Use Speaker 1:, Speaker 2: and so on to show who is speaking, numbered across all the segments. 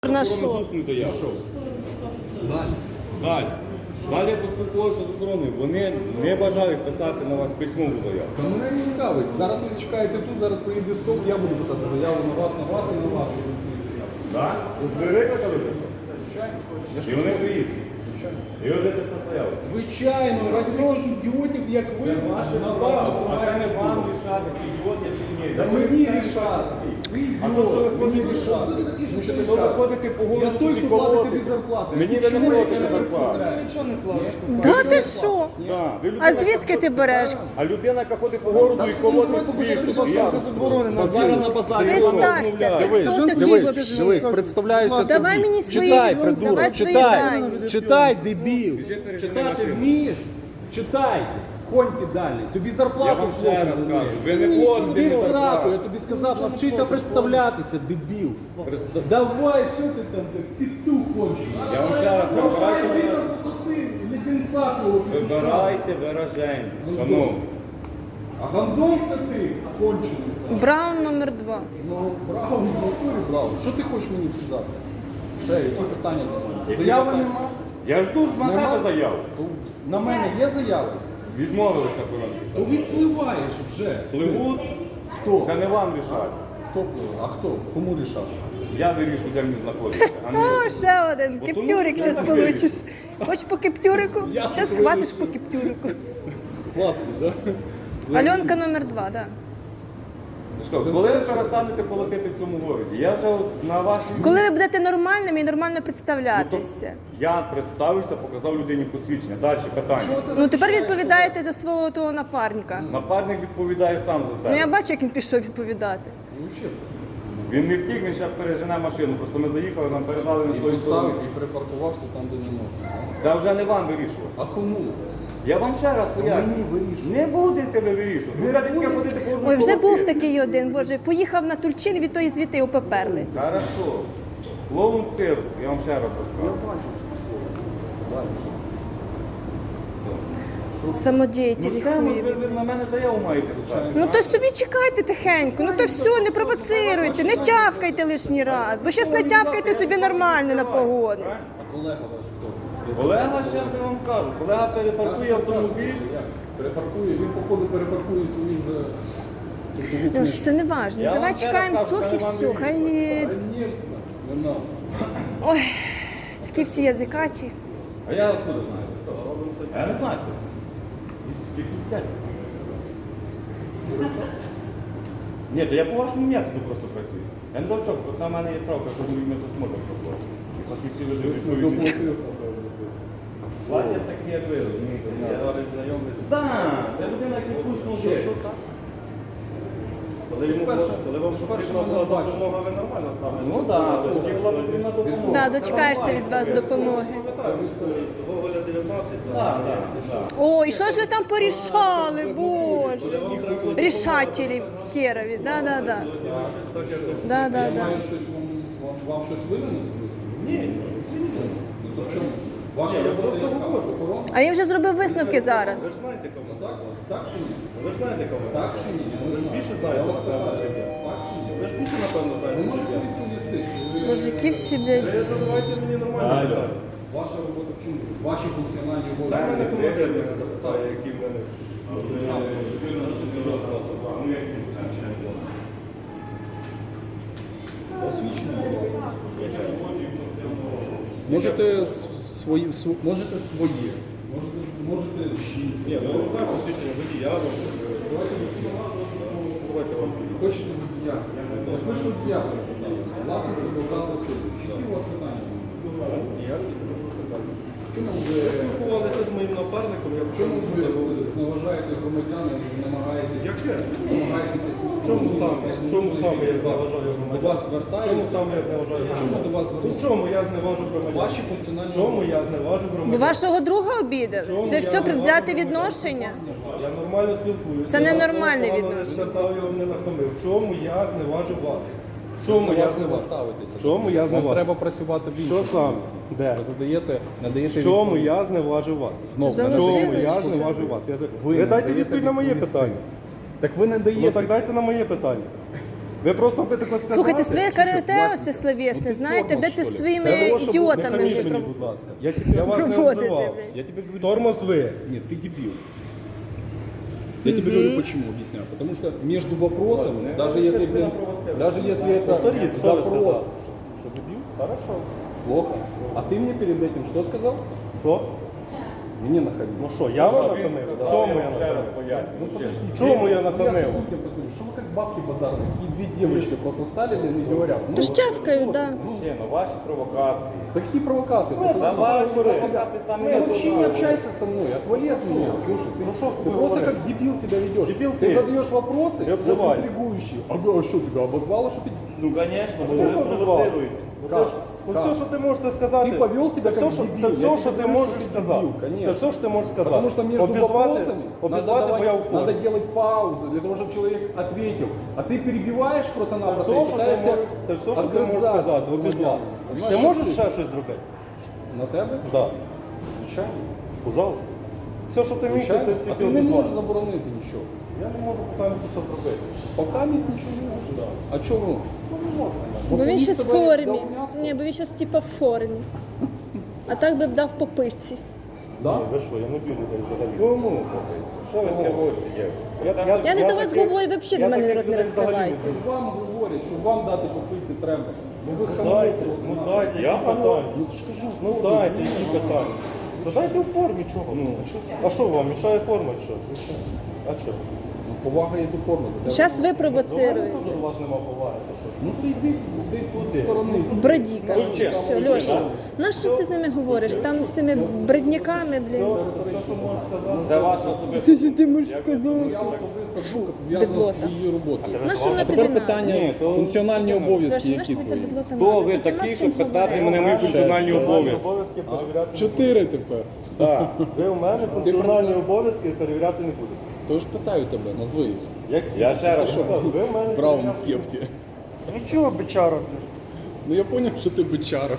Speaker 1: На що?
Speaker 2: Усну заяву. Далі я поспілкувався з охороною. Вони не бажають писати на вас письмову заяву.
Speaker 3: Та мене не цікавить. Зараз ви чекаєте тут, зараз приїде СОП, я буду писати заяву на вас і на вашу.
Speaker 2: Так? Ви викликали? І вони приїдуть. І ви будете це заяву.
Speaker 3: Звичайно, раді таких ідіотів, як ви, на
Speaker 2: А це не вам рішати, чи ідіот я, чи ні.
Speaker 3: Та мені рішати. Ви ідіот, мені рішати.
Speaker 2: Ви виходите по
Speaker 3: Я
Speaker 2: городу
Speaker 3: той,
Speaker 2: і
Speaker 3: хто платить тобі
Speaker 2: колоти.
Speaker 3: зарплату.
Speaker 2: Мені ви не платите зарплату.
Speaker 4: Нічого не платиш.
Speaker 1: Да ти що?
Speaker 2: Так, ви людина,
Speaker 1: А звідки ти береш?
Speaker 2: А людина, яка ходить по городу і колотить світ. Я
Speaker 4: заборонено.
Speaker 2: базарю на базарі.
Speaker 1: Представся, ти
Speaker 2: Дивись,
Speaker 1: хто такий?
Speaker 3: Дивись, представляюся.
Speaker 1: Давай мені свої,
Speaker 3: Читай,
Speaker 1: давай
Speaker 3: придурок,
Speaker 1: свої
Speaker 3: читай.
Speaker 1: дані.
Speaker 3: Читай, дебіл. Читати вмієш? Читай. Коньки далі. Тобі
Speaker 2: Я
Speaker 3: зарплату
Speaker 2: вам ще раз кажу, ви не платите
Speaker 3: Ти
Speaker 2: мені
Speaker 3: сраку, я
Speaker 2: зарплату.
Speaker 3: тобі сказав, навчися представлятися, дебіл. Давай, що ти там, петух кончений.
Speaker 2: Я вам ще раз кажу,
Speaker 3: Давай,
Speaker 2: вибирайте,
Speaker 3: ти там пососи, леденця свого петуша.
Speaker 2: вибирайте вираження. Шановні.
Speaker 3: А гандон це ти, кончений сам.
Speaker 1: Браун номер 2.
Speaker 3: Ну, браво, в натурі браво. Що ти хочеш мені сказати? Ще, які питання? Заяви нема?
Speaker 2: Я жду ж на
Speaker 3: Нема?
Speaker 2: себе заяву.
Speaker 3: На мене є заяви?
Speaker 2: Відмовилися коронавірус.
Speaker 3: То відпливаєш вже.
Speaker 2: Пливуть,
Speaker 3: Хто?
Speaker 2: це не вам рішати.
Speaker 3: Хто пливе? А хто? Кому рішати?
Speaker 2: Я вирішу, де мені знаходитися. А не
Speaker 1: О,
Speaker 2: ви.
Speaker 1: ще один. Кептюрик зараз получиш. Хочеш по кептюрику? Зараз схватиш по кептюрику.
Speaker 3: Платки, так?
Speaker 1: Альонка номер 2, так.
Speaker 2: Що, коли ви перестанете платити в цьому городі? Я вже от на вашій...
Speaker 1: Коли ви будете нормальними і нормально представлятися.
Speaker 2: Я представився, показав людині посвідчення. Далі питання.
Speaker 1: Ну тепер відповідаєте за свого того напарника.
Speaker 2: Напарник відповідає сам за
Speaker 1: Ну я
Speaker 2: себе.
Speaker 1: бачу, як він пішов відповідати.
Speaker 2: Він не втік, він зараз пережене машину. Просто ми заїхали, нам передали на
Speaker 3: І
Speaker 2: свою сторону.
Speaker 3: поставив, і припаркувався там, де не можна.
Speaker 2: Це вже не вам вирішувати.
Speaker 3: А кому?
Speaker 2: Я вам ще раз поясню.
Speaker 3: Мені вирішувати.
Speaker 2: Не будете ви вирішувати. Ви ради таке ходити по одному
Speaker 1: Ой, вже
Speaker 2: колоті.
Speaker 1: був такий один, боже, поїхав на Тульчин, від тої звідти його поперли.
Speaker 2: Хорошо. Клоун цирк, я вам ще раз розкажу.
Speaker 1: Самодіятель
Speaker 2: Ну, скажемо,
Speaker 1: хуєві.
Speaker 2: ви на мене заяву маєте писати.
Speaker 1: Ну то собі чекайте тихенько, ну то все, не провоцируйте, не тявкайте лишній раз, бо щас натявкайте собі нормально на погоду.
Speaker 3: А колега ваш хто?
Speaker 2: Колега, зараз я вам кажу, колега перепаркує автомобіль.
Speaker 3: Як? Перепаркує, він походу перепаркує свої вже...
Speaker 1: Ну ж все не важно,
Speaker 2: Я
Speaker 1: давай
Speaker 2: вам
Speaker 1: чекаємо
Speaker 2: зараз
Speaker 1: сух і
Speaker 2: кажу,
Speaker 1: все. Хай
Speaker 3: Конечно, не надо.
Speaker 1: ой, такі всі язикаті.
Speaker 2: А я откуда знаю? А я не знаю, хто це. Якийсь дядько. Ні, то я по вашому методу просто працюю. Я не довчок, бо це в мене є справка, що будуть метосмотр проходити. І фахівці ведуть відповідні. Платять такі, як ви, розумієте? Я зараз знайомий. Так, це людина, яка слушно жив. Коли вам потрібна була допомога, ви нормально ставили? Ну так, тоді була потрібна допомога.
Speaker 1: Да, дочекаєшся від вас допомоги.
Speaker 2: Так.
Speaker 1: Ой, і що ж ви там порішали, боже. Рішателі херові, да-да-да. Да-да-да.
Speaker 3: Маю щось вам щось винен? Ні. Ну то в чому? Ваша робота яка? Охорона?
Speaker 1: А він вже зробив висновки зараз.
Speaker 3: Так? Так чи ні?
Speaker 2: Ви ж знаєте кого?
Speaker 3: Так чи ні? Я не знаю.
Speaker 2: Більше знаєте,
Speaker 3: Я вас
Speaker 2: напевно,
Speaker 3: питаю.
Speaker 2: чи ні?
Speaker 3: Так чи ні?
Speaker 2: Ви ж більше, напевно,
Speaker 3: Ви
Speaker 2: знаєте.
Speaker 3: можете відповісти? Чи ви-
Speaker 1: Боже, які всі, блядь.
Speaker 2: Задавайте мені нормально питання.
Speaker 3: Ваша робота в чому? Ваші функціональні
Speaker 2: Це мене
Speaker 3: обов'язки?
Speaker 2: командир мене запитає, які в мене.
Speaker 3: Можете свої, можете свої. Можете жінки.
Speaker 2: Ні, ну не знаю, посвідчення водія. Давайте вам.
Speaker 3: Хочете водія? Ось ви ж водія перепитали. Власне, Богдан Васильович. Які у вас питання? Чому ви
Speaker 2: Спілкувалися з моїм напарником, я
Speaker 3: чому ви зневажаєте громадян і намагаєтесь
Speaker 2: Яке?
Speaker 3: Чому
Speaker 2: Чому саме я зневажаю
Speaker 3: до
Speaker 2: громадян?
Speaker 3: вас звертаються?
Speaker 2: Чому саме я зневажаю
Speaker 3: Чому
Speaker 2: громадян?
Speaker 3: до вас
Speaker 2: У
Speaker 3: звертаються?
Speaker 2: чому я зневажу громадян?
Speaker 3: Ваші функціональні
Speaker 2: Чому я зневажу
Speaker 1: Бо
Speaker 2: громадян?
Speaker 1: вашого друга обідали. Вже все предвзяте відношення.
Speaker 2: Я нормально спілкуюся.
Speaker 1: Це ненормальне відношення.
Speaker 2: Я його не нахамив. В чому я зневажу вас? В чому я
Speaker 3: важливо
Speaker 2: зневажу?
Speaker 3: ставитися.
Speaker 2: В чому я
Speaker 3: Вам
Speaker 2: зневажу?
Speaker 3: треба працювати в іншому.
Speaker 2: Що саме? Де?
Speaker 3: Ви надаєте
Speaker 2: В чому
Speaker 3: відповідь.
Speaker 2: я зневажу вас?
Speaker 3: Знов
Speaker 2: В
Speaker 1: не
Speaker 2: чому
Speaker 1: даєте
Speaker 2: я
Speaker 1: відповідь.
Speaker 2: зневажу вас? Ви
Speaker 3: не
Speaker 2: дайте
Speaker 3: даєте
Speaker 2: відповідь на моє
Speaker 3: відповісти.
Speaker 2: питання.
Speaker 3: Так ви не даєте.
Speaker 2: Ну так дайте на моє питання.
Speaker 4: Ви просто будете сказати.
Speaker 1: Слухайте, своє карате оце словесне, знаєте, будете своїми ідіотами
Speaker 4: Не
Speaker 1: вже
Speaker 4: мені, будь ласка. Я вас не
Speaker 1: проводите,
Speaker 4: обзивав.
Speaker 1: блядь.
Speaker 3: Я тебе говорю,
Speaker 4: Тормоз ви.
Speaker 3: нет, ты дебил. Я тебе говорю почему, объясняю. Потому что между вопросами, даже если это
Speaker 4: Повторіть, що ви
Speaker 3: допрос,
Speaker 4: сказали?
Speaker 3: что дебил,
Speaker 4: Хорошо.
Speaker 3: плохо. А ты мне перед этим что сказал?
Speaker 4: Що?
Speaker 3: Мне находил.
Speaker 4: Ну що, я вам нахамив? Чому я
Speaker 2: ще раз
Speaker 4: нахамив?
Speaker 2: пояснюю. ще раз.
Speaker 4: Чому я нахамив?
Speaker 3: Что вы как бабки базарные? Такие две девочки просто стали и говорят. Ну,
Speaker 1: то щавкають, да.
Speaker 2: Ще, ну ваші провокації.
Speaker 3: какие провокации? Ты
Speaker 2: За
Speaker 3: сам
Speaker 2: ваші
Speaker 3: говоришь.
Speaker 2: провокації самі
Speaker 3: Ты вообще не
Speaker 2: не
Speaker 3: общайся со мной, отвали от меня. Слушай, ты просто
Speaker 4: говоришь?
Speaker 3: как дебил себя ведешь.
Speaker 4: Дебил
Speaker 3: ты
Speaker 4: ты.
Speaker 3: задаешь вопросы,
Speaker 4: Не обзывай.
Speaker 3: интригующие. А что тебя обозвало, что ты...
Speaker 2: Ну, звісно, бо ви
Speaker 4: Хто
Speaker 2: провоцируєте.
Speaker 3: Как?
Speaker 4: Ну
Speaker 3: Как?
Speaker 4: все, що ти можеш сказати.
Speaker 3: Ти повів себе
Speaker 4: це
Speaker 3: як
Speaker 4: все, що,
Speaker 3: дебіл.
Speaker 4: це
Speaker 3: Я
Speaker 4: все,
Speaker 3: тобі
Speaker 4: що ти
Speaker 3: говорю,
Speaker 4: можеш
Speaker 3: що ти
Speaker 4: сказати.
Speaker 3: дебіл, конечно.
Speaker 4: Це все, що ти можеш сказати.
Speaker 3: Потому что между вопросами
Speaker 4: обізвати бо я у
Speaker 3: надо
Speaker 4: формі.
Speaker 3: делать паузы для того, чтобы человек ответил. А ты перебиваешь просто-напросто
Speaker 4: Це
Speaker 3: и
Speaker 4: все, що ти
Speaker 3: пытаешься
Speaker 4: можеш- це все, що ти можеш
Speaker 3: отгрызаться.
Speaker 4: сказати, обізвати.
Speaker 3: Понимаешь?
Speaker 4: Ти можеш ще щось зробити?
Speaker 3: На тебе?
Speaker 4: Так.
Speaker 3: Звичайно.
Speaker 4: Пожалуйста. Все, що ти міг,
Speaker 3: Звичайно.
Speaker 4: ти
Speaker 3: А ти не можеш заборонити нічого.
Speaker 4: Я не можу питання, що зробити.
Speaker 3: Пока місць нічого не можеш. А чого?
Speaker 1: Бо він ще в
Speaker 3: тебе
Speaker 1: формі.
Speaker 3: дав м'ятку?
Speaker 1: Ні, бо він зараз типа в формі. А так би б дав по пиці.
Speaker 3: Да?
Speaker 4: Ви що, я не б'ю людей взагалі.
Speaker 2: Кому? Що ви таке говорите, дівчата?
Speaker 1: Я не до вас говорю, ви взагалі до мене рот не розкривайте.
Speaker 3: Вам говорять, що вам дати по пиці треба. Бо ви
Speaker 4: Дайте,
Speaker 3: хамуєте.
Speaker 4: ну дайте,
Speaker 2: Я
Speaker 4: які питання.
Speaker 3: Ну ж кажу,
Speaker 4: Ну дайте, які питання. Та дайте у формі чого. Ну, а що вам, мішає форма чи що? Звичайно. А що?
Speaker 3: ну, повага є до форми. до тебе.
Speaker 1: Зараз ви
Speaker 4: До мене
Speaker 1: провоцируєте.
Speaker 4: теж у вас нема поваги. то що?
Speaker 3: Ну ти йди десь від сторони.
Speaker 1: Бродіка. Все, Льоша. На що ти з ними говориш? Там з цими бредняками, блін.
Speaker 2: Це ваша особиста.
Speaker 1: Що ти можеш сказати?
Speaker 3: Я особисто був пов'язаний
Speaker 1: Бідлота.
Speaker 3: з її роботою.
Speaker 1: На що вона тобі
Speaker 5: Тепер
Speaker 1: надо?
Speaker 5: питання
Speaker 2: Ні, то-
Speaker 5: функціональні обов'язки,
Speaker 1: Леша, на що
Speaker 5: які
Speaker 1: тобі ця
Speaker 5: твої.
Speaker 1: бідлота
Speaker 2: Хто
Speaker 1: надо?
Speaker 2: ви
Speaker 1: Тут нема
Speaker 2: такий,
Speaker 1: з
Speaker 2: щоб
Speaker 1: ким
Speaker 2: питати
Speaker 1: говорити.
Speaker 2: мене мої функціональні обов'язки?
Speaker 4: Обов'язки перевіряти не
Speaker 3: 4 тепер.
Speaker 4: будете. Ви у мене функціональні обов'язки перевіряти не будете.
Speaker 3: Тож питаю тебе, назви їх.
Speaker 4: Як
Speaker 2: Я ще раз.
Speaker 4: ви в мене
Speaker 3: Браун в кепці.
Speaker 4: Нічого, бичара.
Speaker 3: Ну я зрозумів, що ти бичара.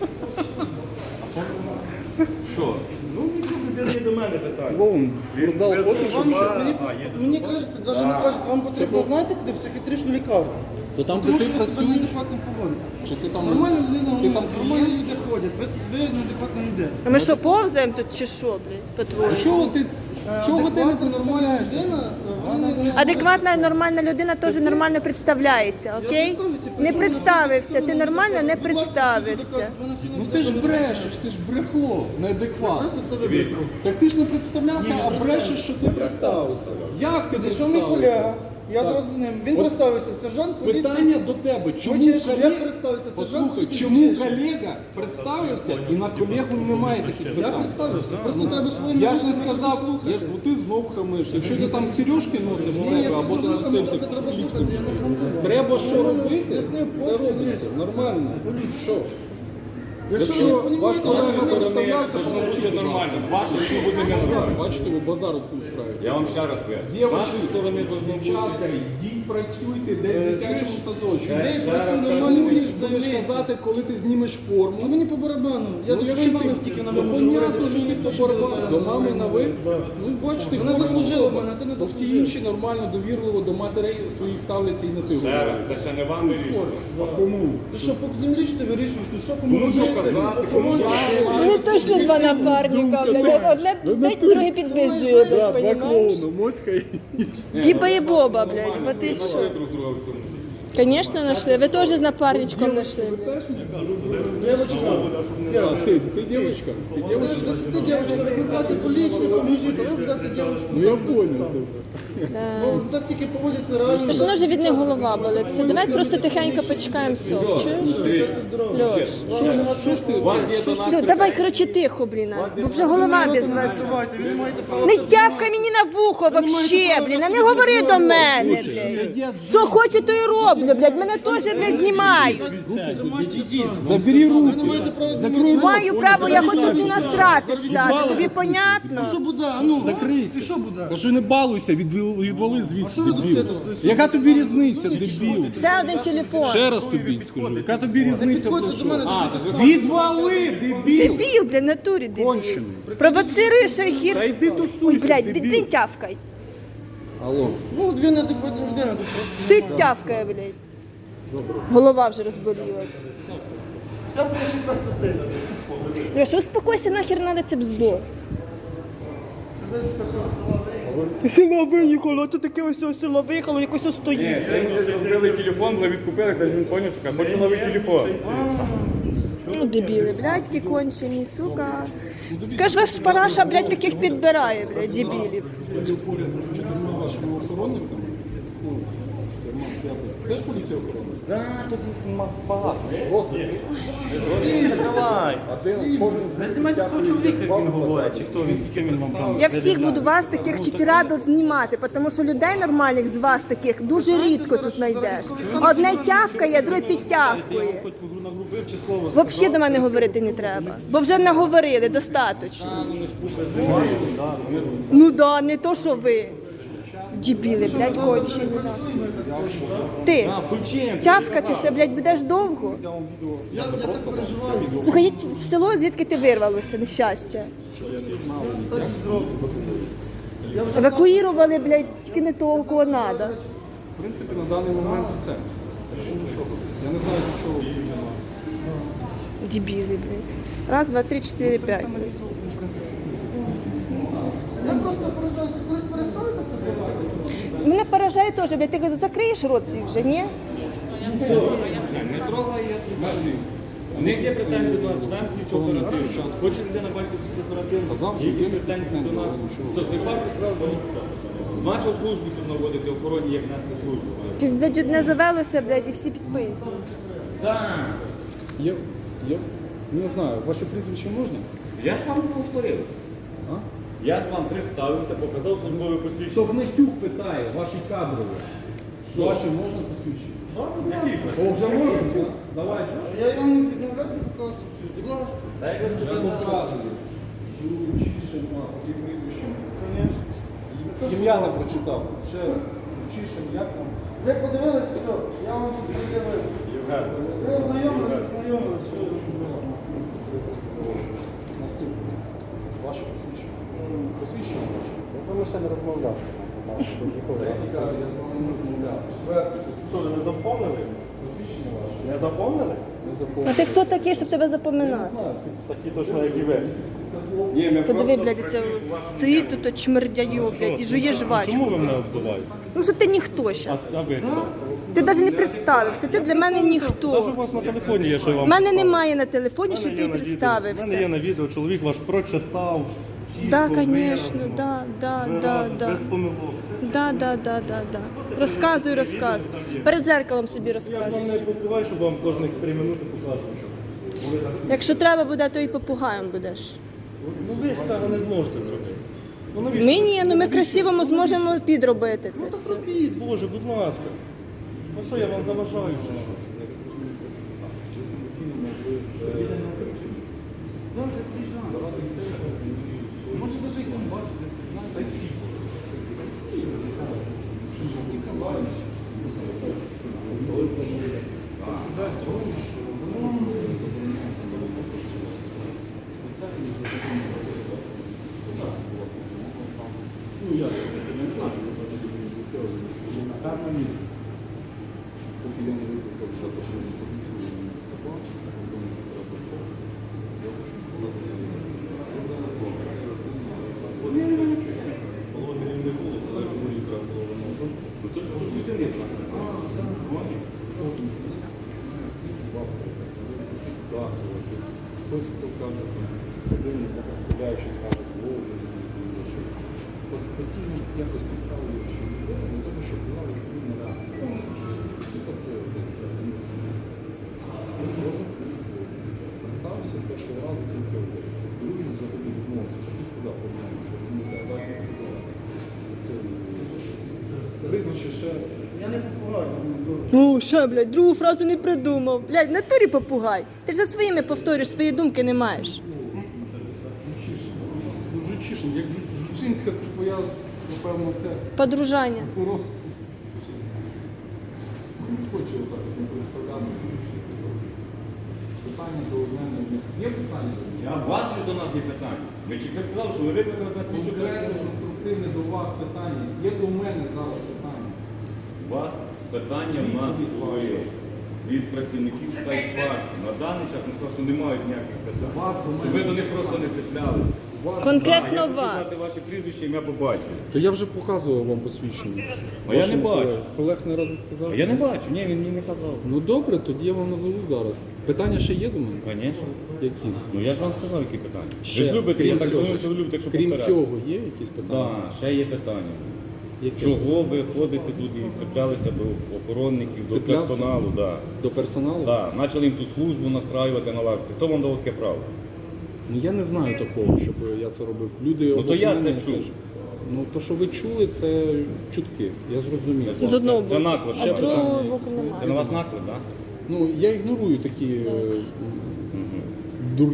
Speaker 2: Що? Ну, нічого, не до мене питання.
Speaker 3: Клоун, в спортзал ходиш?
Speaker 6: Мені кажеться, навіть не кажуть, вам потрібно знаєте, куди психіатричну лікарню.
Speaker 3: То там, де
Speaker 6: Тому
Speaker 3: ти
Speaker 6: що ви себе
Speaker 3: працюєш,
Speaker 6: неадекватно поводите.
Speaker 3: чи ти там...
Speaker 6: Нормальна людина,
Speaker 3: Ти там
Speaker 6: нормальні люди ходять, ви неадекватна людина.
Speaker 1: А ми що, повзаємо тут чи що, блін, по-твоєму?
Speaker 3: Чого ти не
Speaker 6: Адекватна, нормальна людина, вона не...
Speaker 1: Адекватна, нормальна людина теж нормально представляється, окей? Не представився, ти нормально не представився.
Speaker 3: Ну ти ж брешеш, ти ж брехло, неадекватно.
Speaker 6: Просто це ви вибрали.
Speaker 3: Так ти ж не представлявся, а брешеш, що ти представився. Як ти
Speaker 6: Що мій колега,
Speaker 3: представився?
Speaker 6: я зразу з ним, він представився, сержант поліції.
Speaker 3: Питання до тебе, чому
Speaker 6: Хочеш, щоб я
Speaker 3: колега...
Speaker 6: представився, сержант
Speaker 3: Послухай,
Speaker 6: поліції,
Speaker 3: чому
Speaker 6: хочеш?
Speaker 3: колега представився і на колегу немає таких
Speaker 6: Я
Speaker 3: питань?
Speaker 6: представився, просто треба своїм
Speaker 3: Я ж не
Speaker 6: людям
Speaker 3: сказав,
Speaker 6: слухати.
Speaker 3: я ж, ти знов хамиш. Якщо ти там сережки носиш в
Speaker 6: Ні, я
Speaker 3: себе, або ти
Speaker 6: сказав,
Speaker 3: носився
Speaker 6: треба
Speaker 3: з
Speaker 6: слухати,
Speaker 3: кліпсом,
Speaker 6: я не хамлю.
Speaker 3: треба що робити?
Speaker 6: Пояснив,
Speaker 3: Це робиться, нормально. Що?
Speaker 6: Якщо ви
Speaker 3: Якщо
Speaker 6: розумієте,
Speaker 3: ваш колега
Speaker 6: що ви
Speaker 3: представлявся,
Speaker 2: Це ж не
Speaker 3: помовчіть,
Speaker 2: буде
Speaker 3: будь ласка.
Speaker 2: нормально. З вашої що буде не нормально.
Speaker 3: Бачите, ви базар тут устраєте.
Speaker 2: Я вам ще раз кажу. З
Speaker 3: Дівчатки,
Speaker 2: вашої сторони должно бути.
Speaker 3: дівчатка, йдіть працюйте десь в дитячому садочку.
Speaker 6: Де
Speaker 3: Ти
Speaker 6: працює нормальні люди,
Speaker 3: будеш
Speaker 6: займіться.
Speaker 3: казати, коли ти знімеш форму.
Speaker 6: Ну мені по барабану. Я до
Speaker 3: якщо
Speaker 6: своєї
Speaker 3: ти-
Speaker 6: мами тільки на
Speaker 3: Ну,
Speaker 6: ви можу говорити.
Speaker 3: понятно, що
Speaker 6: мені
Speaker 3: ніхто
Speaker 6: точно
Speaker 3: барабан.
Speaker 6: питає.
Speaker 3: До мами на ви? Ну, бачите,
Speaker 6: Вона
Speaker 3: кожна
Speaker 6: заслужила
Speaker 3: особа.
Speaker 6: мене, а ти не
Speaker 3: То всі
Speaker 6: заслужив.
Speaker 3: інші нормально, довірливо до матерей своїх ставляться і на ти
Speaker 2: Ще раз,
Speaker 3: говорять.
Speaker 2: це ще не вам вирішувати.
Speaker 3: А кому?
Speaker 6: Ти що, по землі що ти вирішуєш? Ти що, кому
Speaker 2: Кому що
Speaker 6: робити?
Speaker 2: казати,
Speaker 6: Кому
Speaker 2: кому
Speaker 6: робити?
Speaker 1: Вони точно два напарника, блядь. Одне пиздить, друге підвиздює, блядь, понімаєш?
Speaker 3: моська і...
Speaker 1: Біба і Боба, блядь, бо ти що?
Speaker 2: Друг друга в цьому.
Speaker 1: Звісно, знайшли. Ви теж з напарничком знайшли.
Speaker 6: Дівчинка,
Speaker 3: А, ти дівчинка? Ти дівчинка?
Speaker 6: якщо ти дівчинка, викликати поліцію, поможіть, а ви будете дівчинку.
Speaker 3: Ну я
Speaker 6: там десь
Speaker 3: понял.
Speaker 6: там. Ну, так тільки поводяться реально.
Speaker 1: Тож воно вже від них голова болить. Все, давай просто тихенько почекаємо сок. Чуєш? Льош.
Speaker 2: У вас є до нас
Speaker 1: Все, давай, коротше, тихо, блін, бо вже голова без вас.
Speaker 6: Давайте, ви не маєте права.
Speaker 1: Не тявкай мені на вухо вообще, блін, а не говори до мене, блядь. Що хочу, то і роблю, блядь, мене теж, блядь, знімають.
Speaker 3: Забери руки.
Speaker 6: Ви не маєте права
Speaker 3: Закрой
Speaker 1: Маю право, я хоч тут і насрати стати, тобі понятно?
Speaker 6: Що буде? А ну,
Speaker 3: Закрийся.
Speaker 6: і що буде?
Speaker 3: Кажу, не балуйся, відвали звідси,
Speaker 6: що ви
Speaker 3: дебіл.
Speaker 6: достаєте з тої
Speaker 3: Яка тобі різниця, дебіл?
Speaker 1: Ще один телефон.
Speaker 3: Ще раз тобі скажу, яка тобі різниця?
Speaker 6: Підходьте
Speaker 3: про
Speaker 6: до мене,
Speaker 3: що? Відвали, дебіл!
Speaker 1: Дебіл, блядь, натурі дебіл.
Speaker 3: Кончений.
Speaker 1: Провоцируєш ще
Speaker 3: Та
Speaker 1: гірше.
Speaker 3: йди
Speaker 1: Ой,
Speaker 3: тусуйся,
Speaker 1: блядь,
Speaker 3: дебіл.
Speaker 1: ти тявкай.
Speaker 3: Алло.
Speaker 6: Ну, дві неадекватні людини тут просто.
Speaker 1: Стоїть тявкає, блядь. Голова вже розболілась.
Speaker 6: Я б ще просто ти.
Speaker 1: Леша, успокойся, нахер надо це бздо.
Speaker 6: Десь таке сила.
Speaker 1: Село виїхало, то таке ось село виїхало, якось ось
Speaker 2: Ні,
Speaker 1: стоїть.
Speaker 2: це йому вже зробили телефон, бо відкупили, це ж він поняв, що каже, хочу новий телефон.
Speaker 1: Ну, дебіли, блядьки кончені, сука. Каже, ваш параша, блядь, таких підбирає, блядь, дебілів.
Speaker 3: Поряд з 4 вашими охоронниками. Ну, 4, 5. Теж поліція охорона?
Speaker 4: Так, тут багато.
Speaker 3: От,
Speaker 4: Давай.
Speaker 3: а де кожен з
Speaker 4: Не
Speaker 3: них
Speaker 4: знімайте свого
Speaker 3: п'ятий
Speaker 4: чоловіка, як він
Speaker 3: вам
Speaker 4: говорить, чи хто він, яким він вам там.
Speaker 1: Я всіх буду вас таких чіпірадок знімати, тому що людей нормальних з вас таких дуже рідко тут знайдеш. Одне тявкає, друге підтявкує.
Speaker 4: Хоч нагрубив чи слово
Speaker 1: Взагалі до мене говорити не треба, бо вже наговорили достатньо. Ну да, не то, що ви. Дебіли, блядь, кончені. Ти,
Speaker 4: включимо.
Speaker 1: тявкати ще, блядь, будеш довго?
Speaker 6: Я так переживаю.
Speaker 1: Слухай, їдь в село, звідки ти вирвалося, нещастя.
Speaker 6: Так і зроблю.
Speaker 1: Евакуїрували, блядь, тільки не того, кого треба.
Speaker 3: В принципі, на даний момент все. Більше нічого. Я не знаю, до чого іменно.
Speaker 1: Дебіли, блядь. Раз, два, три, чотири, п'ять.
Speaker 6: Я просто поражаюся, колись перестанете це робити?
Speaker 1: Мене поражає теж, блядь, ти закриєш рот свій вже, ні?
Speaker 2: Не трогай, я тут. У них є претензії до нас, ждемо слідчого оперативного. Хоче людина бачити слідчого оперативного,
Speaker 3: Казав, що
Speaker 2: які
Speaker 3: є
Speaker 2: претензії до нас.
Speaker 3: нічого.
Speaker 2: Все, зникав, відправ до них. Почав службу тут наводити охороні, як нести службу.
Speaker 1: Якесь, блядь, одне завелося, блядь, і всі підпиздили.
Speaker 2: Так.
Speaker 3: Є, не знаю, ваше прізвище можна?
Speaker 2: Я ж вам повторив.
Speaker 3: А?
Speaker 2: Я ж вам представився, показав службове посвідчення.
Speaker 3: Гнатюк питає, ваші кадрові. Ваші можна посвідчити?
Speaker 6: Так, будь ласка.
Speaker 3: О, вже можна, так? Давайте.
Speaker 6: Я вам не відмовляюся показувати. Будь ласка.
Speaker 2: Та як ви
Speaker 3: Вже показую. Журчишин у нас, які прізвищем. Ім'я не прочитав. Ще раз. Журчишин, як там?
Speaker 6: Ви подивилися, все, я вам тут пред'явив. Ви ознайомилися, що
Speaker 3: Наступне. Ваше посвідчення. Посвідчення ваше.
Speaker 4: Ми ще не розмовляли.
Speaker 3: Я кажу, я з вами не розмовляв. Четверте
Speaker 4: Що, ви не запомнили?
Speaker 3: посвідчення ваше.
Speaker 4: Не запомнили?
Speaker 3: Не
Speaker 1: А
Speaker 3: заповнено.
Speaker 1: ти хто такий, щоб тебе запоминати?
Speaker 4: Такі точно, як і ви.
Speaker 2: Ні, ми
Speaker 1: Подиви,
Speaker 2: просто
Speaker 1: блядь, це стоїть тут чмердяю, блядь, і жує жвачку.
Speaker 4: Чому ви мене обзиваєте?
Speaker 1: Ну що ти ніхто зараз.
Speaker 4: А ви хто?
Speaker 1: Ти навіть не представився, ти для мене
Speaker 4: Навіть у
Speaker 1: ніхто.
Speaker 4: вас на телефоні є, що я
Speaker 1: У
Speaker 4: вам
Speaker 1: мене
Speaker 4: поставив.
Speaker 1: немає на телефоні, що
Speaker 4: У мене
Speaker 1: ти
Speaker 4: є на відео. У мене є
Speaker 1: представився.
Speaker 4: на відео, чоловік ваш прочитав.
Speaker 1: Да,
Speaker 4: чітко,
Speaker 1: звісно,
Speaker 4: виразно,
Speaker 1: да, да, да,
Speaker 4: виразно,
Speaker 1: да.
Speaker 4: без помилок.
Speaker 1: Да. Розказуй. Перед зеркалом собі
Speaker 4: Я ж вам
Speaker 1: розкажеш.
Speaker 4: не покриваю, щоб вам кожних 3 минути показувати.
Speaker 1: Якщо треба буде, то і попугаєм будеш.
Speaker 4: Ну ви ж цього не зможете зробити. Ну, навіщо?
Speaker 1: Ми ні, ну ми красиво зможемо підробити це все.
Speaker 4: Робіть, Боже, будь ласка. Ну що, я вам заважаю чи що?
Speaker 6: Так, я приїжджаю. Може, навіть і комбат. Ніколаївич.
Speaker 3: Поки я не викликав запрошення поліцію на Степан, тому що треба посол, я хочу хтось, хто каже, людину представляючи, каже, постійно якось підправлюють, що не тому, що була відповідна реакція. Представився з першого разу тільки другий взагалі відмовився. Так і сказав, по-моєму, що розумієте, так не сказав. Прізвище ще
Speaker 6: Я не попугаю, мені дорого.
Speaker 1: Ну, ще, блядь, другу фразу не придумав. Блядь, в натурі попугай. Ти ж за своїми повторюєш, свої думки не маєш.
Speaker 3: Жучишин, як Жучинська, це твоя, напевно, це
Speaker 1: Подружання.
Speaker 3: курорт. Хочу отак не представляти. Питання до мене. Є питання?
Speaker 2: У вас ж до нас є питання. Ми тільки сказали, що ви викликали нас слідчого
Speaker 3: Конкретне,
Speaker 2: оперативного.
Speaker 3: конструктивне до вас питання. Є до мене зараз питання.
Speaker 2: У вас питання в нас є. від працівників Скайпарку. На даний час вони сказали, що не мають ніяких питань. Щоб ви до них просто не цеплялися.
Speaker 1: Конкретно
Speaker 2: Я хочу
Speaker 1: вас.
Speaker 2: знати ваші прізвища, ім'я по батькові.
Speaker 3: То я вже показував вам посвідчення.
Speaker 2: А я не
Speaker 3: Вашим
Speaker 2: бачу.
Speaker 3: Колег не раз сказав.
Speaker 2: А я не бачу, ні, він мені не казав.
Speaker 3: Ну добре, тоді я вам назову зараз. Питання ще є до мене?
Speaker 2: Звісно.
Speaker 3: Які?
Speaker 2: Ну я ж вам сказав, які питання.
Speaker 3: Ще,
Speaker 2: Ви ж любите, я
Speaker 3: крім
Speaker 2: так
Speaker 3: цього,
Speaker 2: думаю, що ви любите, якщо
Speaker 3: Крім
Speaker 2: повторяти.
Speaker 3: цього, є якісь питання?
Speaker 2: Так, ще є питання.
Speaker 3: Які?
Speaker 2: Чого ви ходите тут і цеплялися до охоронників, до
Speaker 3: Цеплявся?
Speaker 2: персоналу? Да.
Speaker 3: До персоналу?
Speaker 2: Да. Почали їм тут службу настраювати, налажувати. Хто вам дав таке право?
Speaker 3: Ну я не знаю такого, щоб я це робив. Люди
Speaker 2: Ну, то я
Speaker 3: обо мене
Speaker 2: це чув.
Speaker 3: теж. Ну то, що ви чули, це чутки. Я зрозумів.
Speaker 1: З одного
Speaker 2: Це
Speaker 1: боку.
Speaker 2: наклеп.
Speaker 1: А другого боку немає.
Speaker 2: Це на вас наклеп, так?
Speaker 3: Ну я ігнорую такі дур...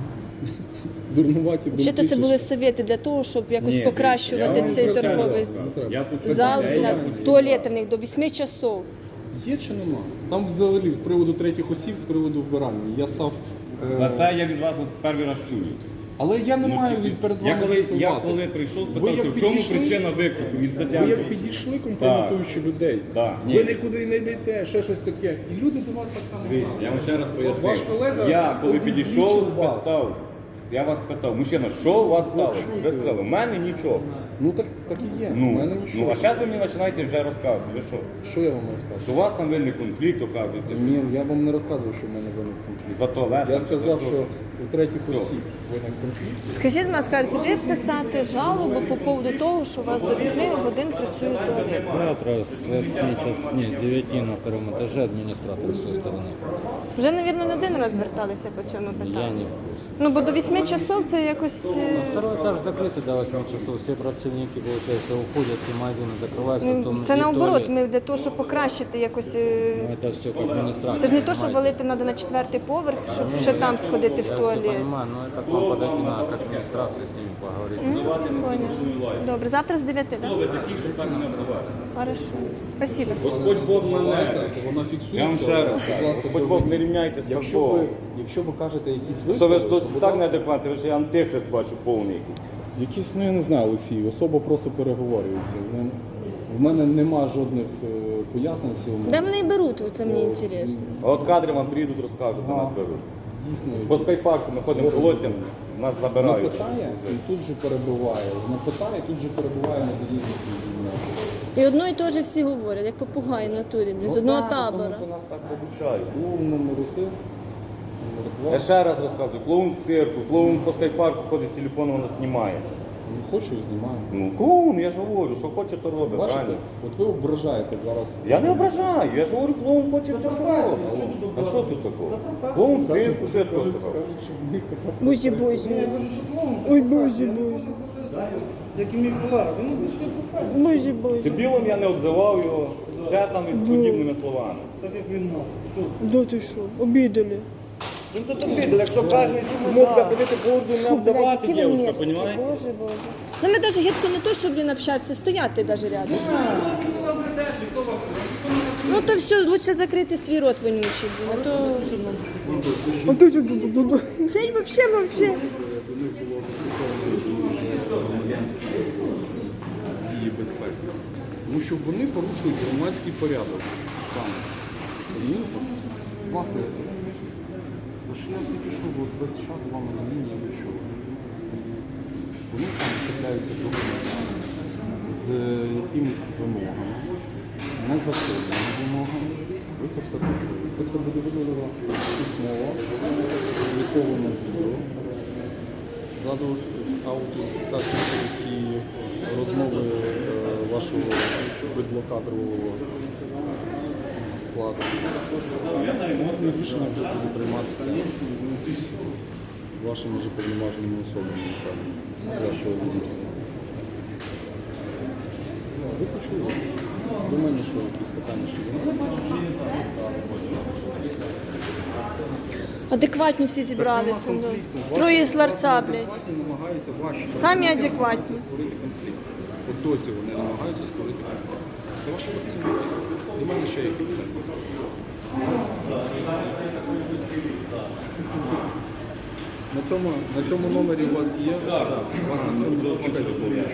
Speaker 3: дурнуваті думки.
Speaker 1: Взагалі це
Speaker 3: що
Speaker 1: були
Speaker 3: ж.
Speaker 1: совєти для того, щоб якось
Speaker 2: Ні,
Speaker 1: покращувати
Speaker 2: я вам
Speaker 1: цей
Speaker 2: про це
Speaker 1: торговий
Speaker 2: розказую. Я тут
Speaker 1: зал
Speaker 2: питання,
Speaker 1: для
Speaker 2: я почув.
Speaker 1: туалетів в них до 8 часов.
Speaker 3: Є чи нема? Там взагалі з приводу третіх осіб, з приводу вбирання. Я став.
Speaker 2: За це я від вас от перший раз чую.
Speaker 3: Але я не
Speaker 2: Ну,
Speaker 3: маю
Speaker 2: тільки-
Speaker 3: перед вами
Speaker 2: я
Speaker 3: звітувати.
Speaker 2: коли прийшов,
Speaker 3: Ви
Speaker 2: спитався,
Speaker 3: як
Speaker 2: в чому
Speaker 3: підійшли-
Speaker 2: причина виклику від
Speaker 3: Ви
Speaker 2: Задянки?
Speaker 3: як підійшли, компрометуючи людей.
Speaker 2: Да. Ні.
Speaker 3: Ви нікуди не йдете, ще щось таке. І люди до вас так само
Speaker 2: Дивіться,
Speaker 3: ставляться.
Speaker 2: я вам ще раз
Speaker 3: Ваш
Speaker 2: пояснив.
Speaker 3: колега
Speaker 2: Я коли
Speaker 3: обізвічив
Speaker 2: підійшов,
Speaker 3: вас.
Speaker 2: спитав. Я вас спитав, мужчина, що у вас сталося? Ви сказали, в мене нічого.
Speaker 3: Ну так і є. У
Speaker 2: Ну,
Speaker 3: мене нічого.
Speaker 2: а зараз ви мені починаєте вже розказувати. Ви що?
Speaker 3: Що я вам розказую?
Speaker 2: Що у вас там виник конфлікт, оказується.
Speaker 3: Ні, я вам не розказував, що в мене виник конфлікт.
Speaker 2: За туалет.
Speaker 3: Я
Speaker 2: чи
Speaker 3: сказав,
Speaker 2: за
Speaker 3: що у третіх
Speaker 2: Що?
Speaker 3: осіб виник конфлікт.
Speaker 1: Скажіть, будь ласка, куди писати жалобу по поводу того, що у вас до 8 годин працює туалет?
Speaker 5: Завтра с 8 час, не, с 9 на втором этаже администратор с той стороны.
Speaker 1: Вже, мабуть, не один раз зверталися по цьому
Speaker 5: Я
Speaker 1: питанню.
Speaker 5: не в курсе.
Speaker 1: Ну, бо до 8 часов це якось...
Speaker 5: Второй этаж закрытый до 8 часов. Все противники, получается, уходят, все магазины закрываются. Потом
Speaker 1: Це
Speaker 5: и
Speaker 1: наоборот,
Speaker 5: туалет.
Speaker 1: ми для того, щоб покращити якось...
Speaker 5: Ну, это все как администратор.
Speaker 1: Це ж не то, що
Speaker 5: понимаете.
Speaker 1: валити треба на 4-й поверх, щоб ще там сходити в
Speaker 5: Я все
Speaker 1: туалет.
Speaker 5: понимаю, но это к вам подойти надо, к администрации с ними поговорить.
Speaker 1: Понял. Добре, завтра з 9, так?
Speaker 2: Хто ви такі, щоб так мене обзивати?
Speaker 1: Хорошо. Спасибо.
Speaker 2: Господь Бог мене.
Speaker 3: Вона фіксується.
Speaker 2: Я вам ще раз
Speaker 3: Будь
Speaker 2: кажу.
Speaker 3: ласка,
Speaker 2: Господь Бог, не рівняйтесь з
Speaker 3: Якщо
Speaker 2: Богом.
Speaker 3: ви кажете якісь
Speaker 2: Що ви
Speaker 3: вислови,
Speaker 2: ж
Speaker 3: то,
Speaker 2: досить
Speaker 3: будь
Speaker 2: так
Speaker 3: ласка,
Speaker 2: неадекватний, ви ж я антихрист бачу повний якийсь.
Speaker 3: якісь, ну я не знаю, Олексій, особа просто переговорюється. Ну, в мене нема жодних пояснень цьому.
Speaker 1: Де вони беруть, це мені інтересно.
Speaker 2: А от кадри вам приїдуть, розкажуть, до нас беруть.
Speaker 3: Дійсно,
Speaker 2: По скайпарку ми ходимо колотям, нас забирають.
Speaker 3: напитає і тут же перебиває. Напитає, тут же перебиває на різних
Speaker 1: І одно і те ж всі говорять, як попугаї в натурі, блін, з одного
Speaker 2: Тому
Speaker 1: табора.
Speaker 2: що нас так обучають.
Speaker 3: Клоун номер 1, номер 2.
Speaker 2: Я ще раз розказую, клоун в цирку, клоун по скайпарку ходить з телефону, воно знімає.
Speaker 3: Ну, хочу і знімаю.
Speaker 2: Ну, клоун, я ж говорю, що хоче, то робить,
Speaker 3: Бачите,
Speaker 2: правильно?
Speaker 3: от ви ображаєте зараз.
Speaker 2: Я не ображаю, я ж говорю, клоун хоче все, що робить. А що тут такого? Клоун в цирку, що я такого сказав?
Speaker 1: Бузі, бузі.
Speaker 6: Я кажу, що клоун це
Speaker 1: Ой,
Speaker 6: професія.
Speaker 1: бузі,
Speaker 6: Я не
Speaker 1: бузі.
Speaker 6: покладаю, як і мій колега. Він обов'язково професія.
Speaker 1: Бузі, бузі.
Speaker 2: Дебілом я не обзивав його, ще там і подібними словами.
Speaker 6: Так як він нас. Що?
Speaker 1: Да ти що, обідали.
Speaker 2: Ну то тобі, якщо кожен мовка ходити по урду, не
Speaker 1: Фу, блядь,
Speaker 2: обзивати
Speaker 1: які ви
Speaker 2: дівчинка,
Speaker 1: мерзкі,
Speaker 2: понімаєте?
Speaker 1: боже, боже. Це ми навіть гидко не то, щоб блін, общатися, стояти навіть рядом. Ну то все, лучше закрити свій рот вонючий, блін, а то... А то що, блядь, вообще мовчи.
Speaker 3: Дії безпеки. Тому що вони порушують громадський порядок саме. Розумієте? Будь ласка, бо що я тільки що от весь час з вами на лінії ви чули. Вони саме чіпляються до громадян з якимись вимогами, незаконними вимогами. Ви це все почули. Це все буде виділено письмово, опубліковано відео. Ззаду аудіофіксацію цієї розмови вашого видлокадрового складу. Рішення вже буде прийматися вашими вже повноваженими особами, напевно, вашого відомства. Ви почули? До мене що якісь питання ще є?
Speaker 1: Адекватні всі зібралися. Троє з ларца, блядь.
Speaker 3: Намагаються ваші
Speaker 1: Самі адекватні.
Speaker 3: створити конфлікт. От досі вони намагаються створити конфлікт. Це ваші працівники. До мене ще які питання. На цьому номері у вас є? У вас на цьому чекайте, хвилиночку.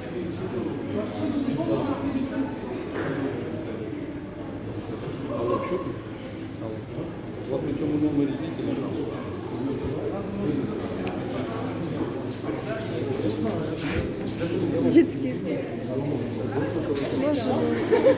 Speaker 3: Алло, чуєте? Що тут? У вас на цьому номері діти?
Speaker 1: Дітський сад. Боже мой.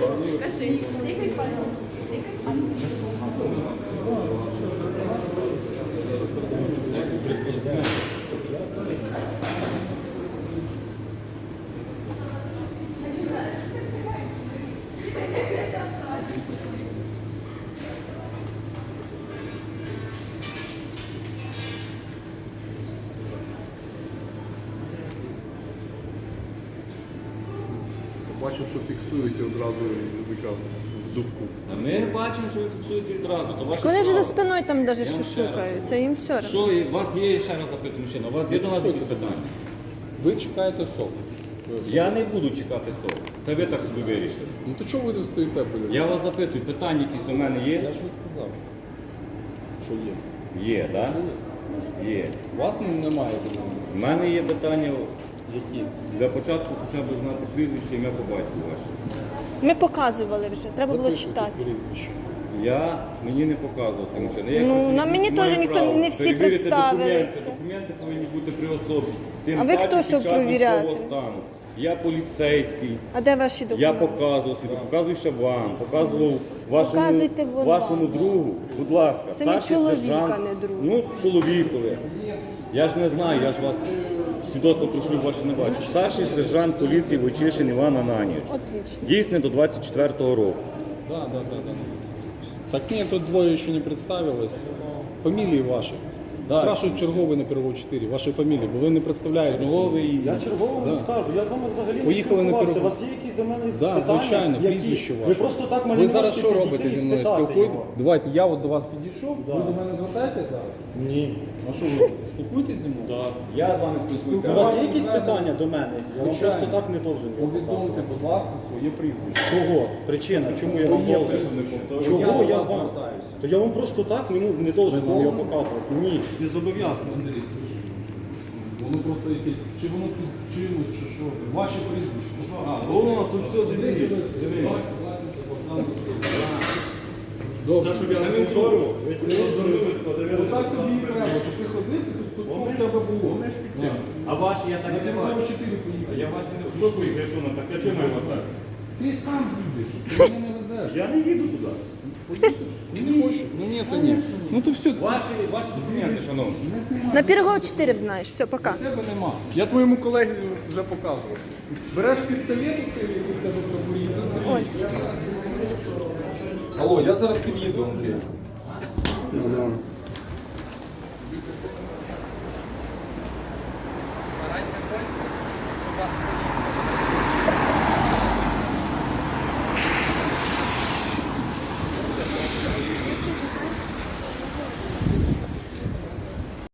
Speaker 3: Бачу, що фіксуєте одразу язика в дубку.
Speaker 2: Ми не бачимо, що ви фіксуєте відразу. То ваше
Speaker 1: Вони вже за
Speaker 2: право.
Speaker 1: спиною там даже що шукають, це їм все одно.
Speaker 2: Що, і у вас є, ще раз запитую, мужчина, у вас є до нас якісь питання?
Speaker 3: Ви чекаєте сок.
Speaker 2: Я не буду чекати СОВ. Це ви так собі вирішили.
Speaker 3: Ну то чого ви тут стоїте, блядь?
Speaker 2: Я вас запитую, питання якісь до мене
Speaker 3: Я
Speaker 2: є?
Speaker 3: ж ви сказав, що є.
Speaker 2: Є, так?
Speaker 3: Що є?
Speaker 2: Є.
Speaker 3: У вас немає до мене.
Speaker 2: У мене є питання,
Speaker 3: Які?
Speaker 2: для початку хоча б знати прізвище, ім'я по батьку ваше.
Speaker 1: Ми показували вже, треба було
Speaker 3: Записуйте
Speaker 1: читати.
Speaker 3: прізвище.
Speaker 2: Мені не показував це машина. Я
Speaker 1: Ну,
Speaker 2: просто
Speaker 1: на мені
Speaker 2: маю
Speaker 1: теж ніхто-
Speaker 2: право
Speaker 1: не всі
Speaker 2: перевірити
Speaker 1: представилися.
Speaker 2: Документи повинні бути при особі. Тим
Speaker 1: А ви
Speaker 2: паче
Speaker 1: хто,
Speaker 2: під
Speaker 1: щоб
Speaker 2: час
Speaker 1: провіряти?
Speaker 2: військового стану. Я поліцейський.
Speaker 1: А де ваші
Speaker 2: Я
Speaker 1: документи?
Speaker 2: показував собі, показую ще вам, показував
Speaker 1: Показуйте
Speaker 2: вашому
Speaker 1: вам.
Speaker 2: другу, будь ласка.
Speaker 1: Це мій
Speaker 2: старший
Speaker 1: чоловік,
Speaker 2: сержант.
Speaker 1: а не друг.
Speaker 2: Ну, чоловікові. Я ж не знаю, я ж вас свідоцтво про шлюб ваше не бачу. Старший сержант поліції Войчишин Іван Ананійович.
Speaker 1: Отлично.
Speaker 2: Дійсний до 24-го року.
Speaker 3: Да. Так нет, тут двое еще не представилось. Фамилии ваши.
Speaker 2: Да.
Speaker 3: Спрашивают черговый на первого 4, ваші фамілії, бо ви не представляєте.
Speaker 2: Черговий.
Speaker 4: Я черговому не скажу, я з вами взагалі не
Speaker 3: Поїхали на
Speaker 4: спілкувався. У
Speaker 3: перегон.
Speaker 4: вас є якісь до мене
Speaker 3: Да,
Speaker 4: питання?
Speaker 3: звичайно,
Speaker 4: Які?
Speaker 3: прізвище ваше.
Speaker 4: Ви просто так мене
Speaker 3: Ви
Speaker 4: не
Speaker 3: зараз
Speaker 4: можете
Speaker 3: що
Speaker 4: підійти
Speaker 3: робите
Speaker 4: і
Speaker 3: зі мною?
Speaker 4: спитати
Speaker 3: Спілкуєте?
Speaker 4: його.
Speaker 3: Давайте, я от до вас підійшов, ви до мене звертаєтесь зараз?
Speaker 4: Ні.
Speaker 3: А що ви спілкуєтесь зі мною? Так.
Speaker 2: Я з вами спілкуюся.
Speaker 4: У вас є якісь питання до мене? Я вам
Speaker 3: Звичайно.
Speaker 4: просто так не должен.
Speaker 3: Повідомте, будь ласка, своє прізвище.
Speaker 4: Чого? Причина, чому я вам
Speaker 3: Своє
Speaker 4: должен?
Speaker 3: прізвище.
Speaker 4: Чого
Speaker 3: Я
Speaker 4: я
Speaker 3: до вас
Speaker 4: вам?
Speaker 3: звертаюся.
Speaker 4: То я вам просто так не должен вам його показувати. Ні, не зобов'язаний.
Speaker 3: Андрій, слушай, воно просто якесь, чи воно під чимось, чи що? Ваше прізвище.
Speaker 2: О, тут все, дивіться.
Speaker 3: Добре.
Speaker 4: Щоб я не повторював, ви
Speaker 3: Отак тобі і треба, щоб ти ходив, і тут в тебе було.
Speaker 2: А ваші я так не
Speaker 3: Треба
Speaker 2: бачу.
Speaker 3: 4 поїхати.
Speaker 2: Я ваші не... Що поїхали, що на так? Я чому вас так?
Speaker 3: Ти сам їдеш, ти мене не везеш.
Speaker 2: Я не їду туди.
Speaker 3: Не хочу. Ну ні, то ні. Ну то все,
Speaker 2: Ваші документи, шановні.
Speaker 1: На Пірогова 4 знаєш. Все, пока.
Speaker 3: тебе нема. Я твоєму колегі вже показував. Береш пістолет, який в тебе в кобурі, і застрілюєш. Алло, я зараз під'їду, Андрій.
Speaker 7: Раньше кончилось, у вас